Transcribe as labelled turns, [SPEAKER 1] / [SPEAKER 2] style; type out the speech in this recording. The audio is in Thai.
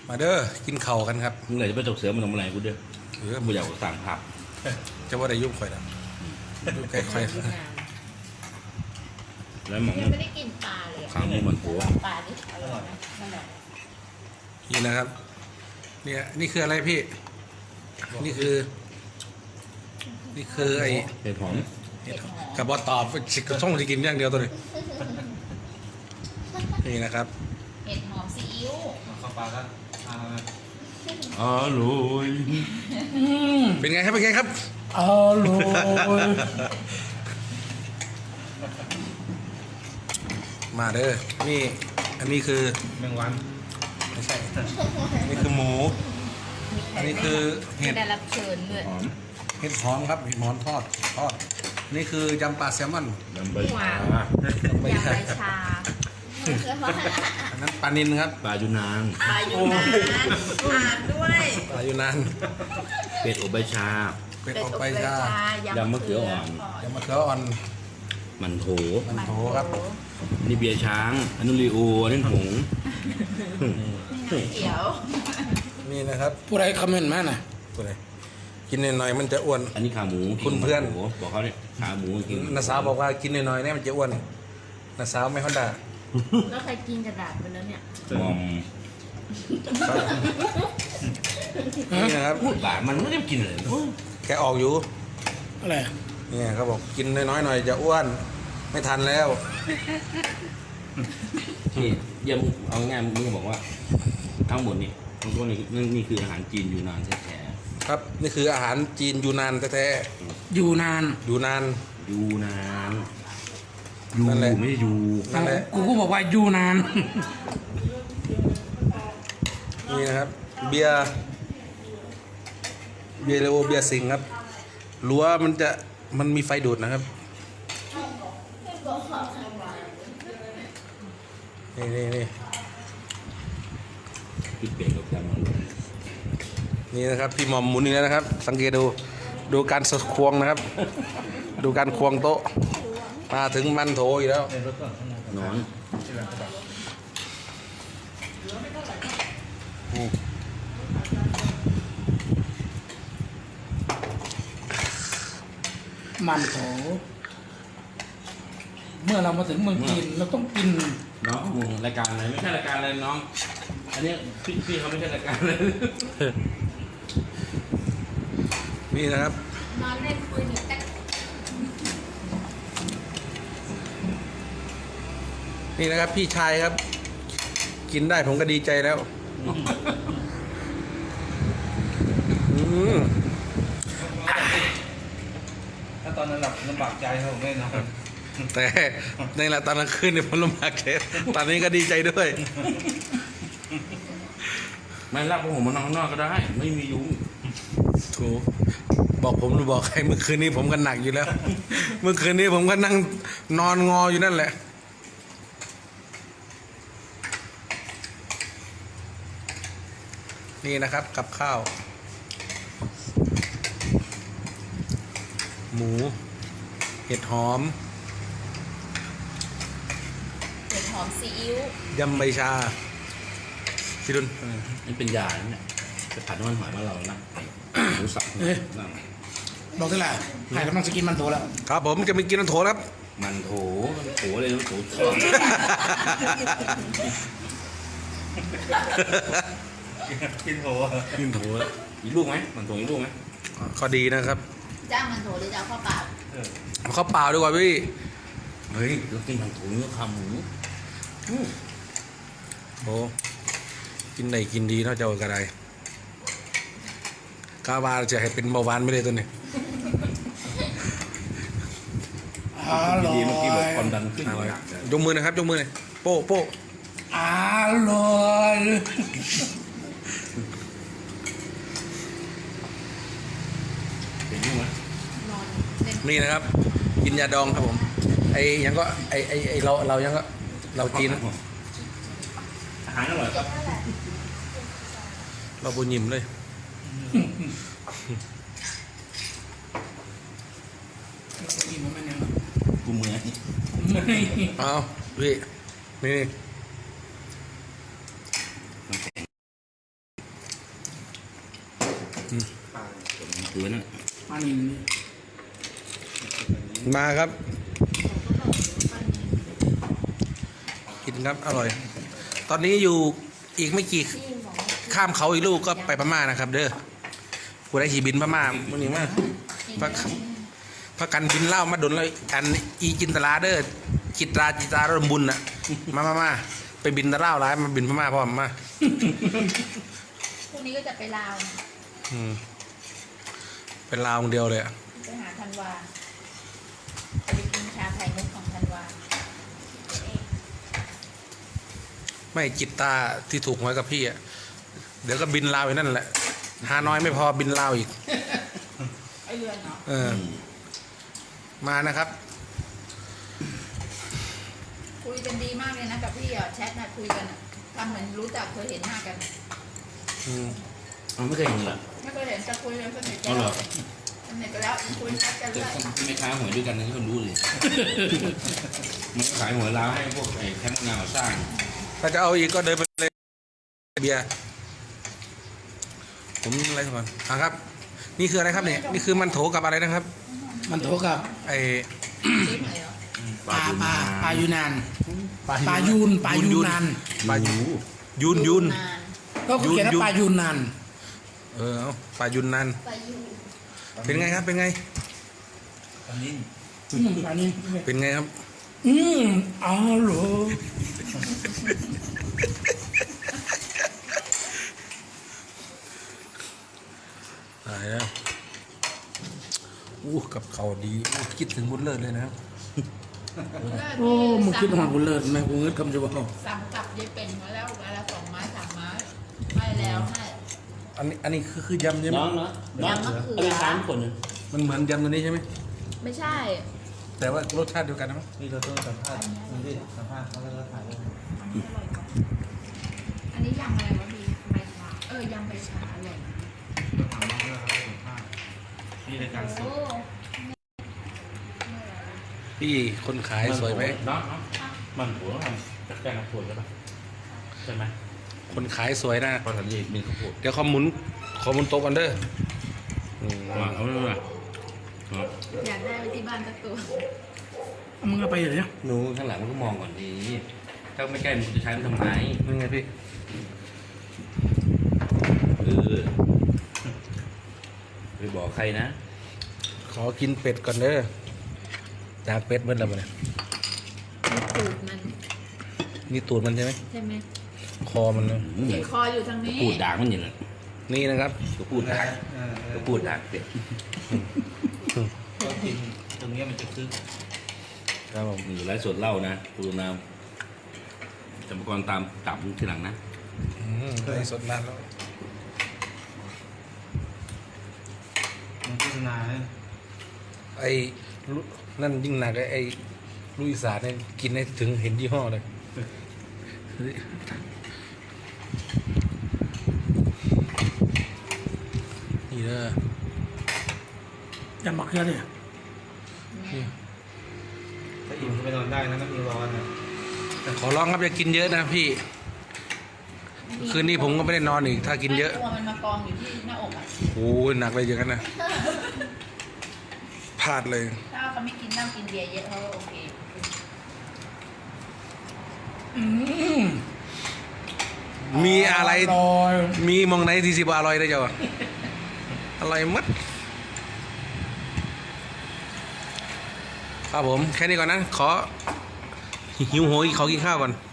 [SPEAKER 1] มาเด้อกินเข่ากันครับ
[SPEAKER 2] มึงไหนจะไปตกเสือมันทำอะไรกูเด้อกูอยากสั่งผับ
[SPEAKER 1] จะว่าได้ยุ่งข่อยนะยุ่งใกล้ข่อย
[SPEAKER 2] แล้วมอง
[SPEAKER 3] ไม่ได้กินปลาเลย
[SPEAKER 2] ขาหมูมันหัว
[SPEAKER 3] ปลาดิอร่อยไหมนั่นแหละ
[SPEAKER 1] นี่นะครับเนี่ยนี่คืออะไรพี่นี่คือไอ้
[SPEAKER 2] เห็ดหอม
[SPEAKER 1] กับบอตอบชิคช่องที่กินอย่างเดียวตัวนี้นี่นะครับ
[SPEAKER 3] เห็ดหอมซีอิ๊ว
[SPEAKER 4] ข้าวปลาก็
[SPEAKER 2] อร่อย
[SPEAKER 1] เป็นไงครับเป็นไงครับ
[SPEAKER 4] อร่อย
[SPEAKER 1] มาเด้อนี่อันนี้คือ
[SPEAKER 4] แมงวัน
[SPEAKER 1] ไม่ใช่นี่คือหมูอันนี้คือเห็ด
[SPEAKER 3] ได้รับเชิญด้วย
[SPEAKER 1] เห็ดหอมครับเห็ดหอมทอดนี่คือยำปลาแซลมอน
[SPEAKER 2] ยำใบชาย
[SPEAKER 3] ำใบชา
[SPEAKER 1] อันนั้นปลานิลครับ
[SPEAKER 2] ปลายูนาน
[SPEAKER 3] ปลาอยู่นานอ่านด้วย
[SPEAKER 1] ปลาอยู่นาน
[SPEAKER 2] เป็ดอบใบชา
[SPEAKER 1] เป็ดอบใบชาย
[SPEAKER 2] ำมะเขืออ่อน
[SPEAKER 1] ยำมะเขืออ่อน
[SPEAKER 2] มันโถ
[SPEAKER 1] ครับ
[SPEAKER 2] นี่เบียร์ช้างอันนู้นรีโออันนี้หง
[SPEAKER 3] เดี๋ยว
[SPEAKER 1] นี่นะครับ
[SPEAKER 4] ผู้ใดคอมเมนต์มาน่ะ
[SPEAKER 1] ตัวไหนกินหน่อยๆมันจะอ้วน
[SPEAKER 2] อันนี้ขาหมู
[SPEAKER 1] คุณเพื่อน
[SPEAKER 2] บอกเขาเนี่ยขาหมูกิน
[SPEAKER 1] น้าสาวบอกว่ากินหน่อยๆเนี่ยมันจะอ้วนน้าสาวไม่ค่อยด่า
[SPEAKER 3] แล้วใครกินกระดาษไปแล้วเนี่ย
[SPEAKER 2] มอม
[SPEAKER 1] นี่นะครับ
[SPEAKER 2] บามันไม่ได้กินเลย
[SPEAKER 1] แกออกอยู่
[SPEAKER 4] อะไร
[SPEAKER 1] เนี่ยเขาบอกกินน้อยๆหน่อยจะอ้วนไม่ทันแล้ว
[SPEAKER 2] ที่เยี่ยมเอาง่ายมึงบอกว่าทั้งหมดนี่ทั้งตัวนี่คืออาหารจีนอยู่นานแท้
[SPEAKER 1] ๆครับนี่คืออาหารจีนอยู่นานแท้
[SPEAKER 4] ๆอยู่นาน
[SPEAKER 1] อยู่นาน
[SPEAKER 2] นั่นแหละไม่ได้อยู่
[SPEAKER 1] นั่นแหละ
[SPEAKER 4] กูก็บอกว่าอยู่นาน
[SPEAKER 1] นี่นะครับเบียร์เลโอเบียร์สิงครับรั้วมันมีไฟดูดนะครับนี่
[SPEAKER 2] ปิดเบรกกับการมัน
[SPEAKER 1] นี่นะครับพี่หมอมหมุนนี่แล้วนะครับสังเกตดูการสะควงนะครับดูการควงโต๊ะมาถึงมันโถอยู่แล้ว
[SPEAKER 2] นอน
[SPEAKER 4] มันโถเมื่อเรามาถึงเมืองจีนเราต้องกิน
[SPEAKER 2] น้องรายการอะไรไม่ใช่รายการอะไรน้องอันนี้พี่เขาไม่ใช่รายการเลย
[SPEAKER 1] นี่นะครับ
[SPEAKER 3] นอนเล่นปืนอยู่แต่
[SPEAKER 1] นี่นะครับพี่ชายครับกินได้ผมก็ดีใจแล้ว
[SPEAKER 4] ถ้าตอนนั้นลำบากใจครับผมไม่นอน
[SPEAKER 1] แต่ในละตอนกลางคืนเนี่ยผมลำบากใจตอนนี้ก็ดีใจด้วย
[SPEAKER 2] ไม่รับผมมานอนข้างนอกก็ได้ไม่มียุง
[SPEAKER 1] ถูกบอกใครเมื่อคืนนี้ผมก็หนักอยู่แล้วเมื่อคืนนี้ผมก็นั่งนอนงออยู่นั่นแหละนี่นะครับกับข้าวหมูเห็ดหอม
[SPEAKER 3] ซีอิ๊วย
[SPEAKER 1] ำใบชาพี่ดุล
[SPEAKER 2] นี่เป็นยาเนี่ยจะผัดน้ำมันหอยมาเรานะหมูสับ
[SPEAKER 4] บอกได้แหละใครกำลังจะกินมันโถแล้ว
[SPEAKER 1] ครับผมจะไปกินมันโถครับ
[SPEAKER 2] มันโถเลยมันโถ
[SPEAKER 4] กินโถ
[SPEAKER 2] อีกลูกไหมมันโถอีกลูกไหม
[SPEAKER 1] ก็ดีนะครับ
[SPEAKER 3] จ้างมันโถหรือจะเอาข้าวเปล่า
[SPEAKER 1] เอาข้าวเปล่าดีกว่าพี่
[SPEAKER 2] เฮ้ยเรากินมันโถเนื้อขาหมู
[SPEAKER 1] โอ้กินไหนกินดีเนาะเจ้ากระไดกาวาจะให้เป็นเบาหวานไม่ได้ตัวนี้
[SPEAKER 2] ดีเมื่อกี้บอกความดันขึ้น
[SPEAKER 1] ยกมือนะครับยกมือเลยโป้
[SPEAKER 4] อร่อย
[SPEAKER 2] เป็นยังไง
[SPEAKER 1] นี่นะครับกินยาดองครับผมไอ้ยังก็ไอ้เรายังก็เราจีน
[SPEAKER 2] อาหารอร่อยครับ
[SPEAKER 1] เราบุญยิ้มเลย
[SPEAKER 2] กูเมื่อย
[SPEAKER 1] เอาพี่นี่
[SPEAKER 2] คือนั่น
[SPEAKER 4] ปลานิล
[SPEAKER 1] มาครับ กินครับอร่อย ตอนนี้อยู่อีกไม่กี่ข้ามเขาอีกลูกก็ไปพม่านะครับ เด้อกูได้ขี่บินพม่ามื่อนี้มาพักกันบินเหล้ามาดนเลยอันอีจินตลาเด้อจิตราเริ่มบุญน่ะมาไปบินตะเล่าร้ายมาบินพม่าพร้อมมา
[SPEAKER 3] พรุ่งนี้ก็จะไปลาว
[SPEAKER 1] เป็นลาวคนเดียวเลยอะ
[SPEAKER 3] ไปหาธันวาจะไปกินชาไข่มุกของธันวา
[SPEAKER 1] ไม่จิตตาที่ถูกหวยกับพี่อ่ะเดี๋ยวก็บินลาวอีกนั่นแหละฮานอยไม่พอบินลาวอีก
[SPEAKER 3] ไอเรือนเนาะ
[SPEAKER 1] เออ มานะครับ
[SPEAKER 3] คุยกันดีมากเลยนะกับพี่อ่ะแชทนะคุยกันอะทำเหมือนรู้จักเคยเห็นหน้ากัน
[SPEAKER 2] มันไม่เคยเห็นเหรอ
[SPEAKER 3] ไม่เคยเห็นจะคุยกันสนิทกั
[SPEAKER 2] อ๋อเหรอ
[SPEAKER 3] สนิทกันแล้วคุยกัน
[SPEAKER 2] แต่
[SPEAKER 3] เรื่อย
[SPEAKER 2] คนที่ไม่ค้าหวยด้วยกันนะที่คนรู้เลยมันขายหวยล้าวให้พวกไอ้แคมป์งานก่อสร้าง
[SPEAKER 1] ถ้าจะเอาอีกก็เดินไปเลยเบียร์ผมอะไรก่อนครับ นี่คืออะไรครับเนี่ยนี่คือมันโถกับอะไรนะครับ
[SPEAKER 4] มันโถกับ
[SPEAKER 1] ไอ
[SPEAKER 3] ๆชิมเลยเหรอ
[SPEAKER 4] ปลายูนานปลายูนนาน
[SPEAKER 1] ปลายูน
[SPEAKER 3] นาน
[SPEAKER 4] ก็เขียนว่าปลายูนนาน
[SPEAKER 1] เอาปลายุนนัน
[SPEAKER 3] ไปอยู่
[SPEAKER 1] เป็นไงครับเป็นไง
[SPEAKER 4] ปลานิล
[SPEAKER 1] เป็นไงครับ
[SPEAKER 4] อ๋อเหรอ
[SPEAKER 1] ตายแล้วกับเขาดีคิดถึงบุญเลิศเลยนะครับ
[SPEAKER 4] โอ้มึงคิดหอดกูเลิศไหมกูเงินคำจะบอก
[SPEAKER 3] สั่งกับยายเป็นมาแล้วเวลา2 ไม้ 3 ไม้ให้แล้วให้
[SPEAKER 1] อันนี้คือยำใช่ไหม
[SPEAKER 2] น้องเนาะน้อง
[SPEAKER 3] ยำมะเขือ
[SPEAKER 2] เอาไปสามคนนึง
[SPEAKER 1] มันเหมือนยำตัวนี้ใช่ไหม
[SPEAKER 3] ไม่ใช่
[SPEAKER 1] แต่ว่ารสชาติเดียวกันนะมั้ง
[SPEAKER 5] นี่เราต้องสัมภาษณ์มันดิสัมภาษณ์เขาแล้วก็ถ่ายรูป
[SPEAKER 3] อันนี้ยำอะไรวะพี่ใบชายำใบชาอร่อย
[SPEAKER 5] ถามน้องแล้วเขาสัมภาษณ์นี่รายการส
[SPEAKER 3] โอ้
[SPEAKER 5] ด
[SPEAKER 1] พี่คนขายสวยไหม
[SPEAKER 2] น้องมันหัวทำจากแป้งข้าวโพดใช่ปะใช่ไหม
[SPEAKER 1] คนขายสวยนะ
[SPEAKER 2] พอทำนี่เป็นข้าวโพด
[SPEAKER 1] เดี๋ยวขอหมุนโต๊ะกันเด้ออืม
[SPEAKER 2] เอาไม่เป็นไร
[SPEAKER 3] อยากได้ไปที่บ้านสักตัว
[SPEAKER 4] มึงเอาไปเหรอเนี่ย
[SPEAKER 2] หนูข้างหลังมันก็มองก่อนดีถ้าไม่ใกล้มันจะใช้มันทำไง
[SPEAKER 1] นี่ไงพี่
[SPEAKER 2] ไปบอกใครนะ
[SPEAKER 1] ขอกินเป็ดก่อนเด้อจากเป็ดเมื่อไหร่มาเนี่ย
[SPEAKER 3] ตูดมัน
[SPEAKER 1] นี่ตูดมันใช่ไหม
[SPEAKER 3] ใช่ไหม
[SPEAKER 1] คอมันเนอะ
[SPEAKER 3] เห็นคออยู่ทางนี้
[SPEAKER 2] พูดด่างมันอย่างนั้น
[SPEAKER 1] นี่นะครับ
[SPEAKER 2] ก็พูดด่างก็พูดด่างเด็ก
[SPEAKER 5] ก็กินตรงเนี้ยมันจะคึก
[SPEAKER 1] ครับผม
[SPEAKER 2] อยู่ไร้สดเล่านะปูน้ำจำกรตามตับทีหลังนะ
[SPEAKER 1] ไอ้สดนานแล้ว
[SPEAKER 5] มันโฆษณาเนี่ย
[SPEAKER 1] ไอ้ลุนั่นยิ่งหนักไอ้ลุยสานเนี่ยกินให้ถึงเห็นยี่ห้อเลยนี่เด้อย
[SPEAKER 4] ำมะเขือเนี่ย
[SPEAKER 5] ถ้าอิ่มก็ไปนอนได้นะไม่มีร้อนนะ
[SPEAKER 1] ขอร้องครับอย่ากินเยอะนะพี่ คืนนี้ผมก็ไม่ได้นอนอีก ถ้ากินเยอะ
[SPEAKER 3] ตัวมันมากองอยู่ที่หน้าอกอ่ะ
[SPEAKER 1] โอ้ยหนักเลยอย่างนั้นนะพลาดเลย
[SPEAKER 3] ถ้าเขาไม่กินเหล้ากินเบียร์เยอะเขาก็โอเค
[SPEAKER 1] มีอะไร
[SPEAKER 4] ลอย
[SPEAKER 1] มีมองไหนที่สิบอร่อยได้เจ้าอร่อยมัดครับผม แค่นี้ก่อนนะ ขอหิวโหยขอกินข้าวก่อน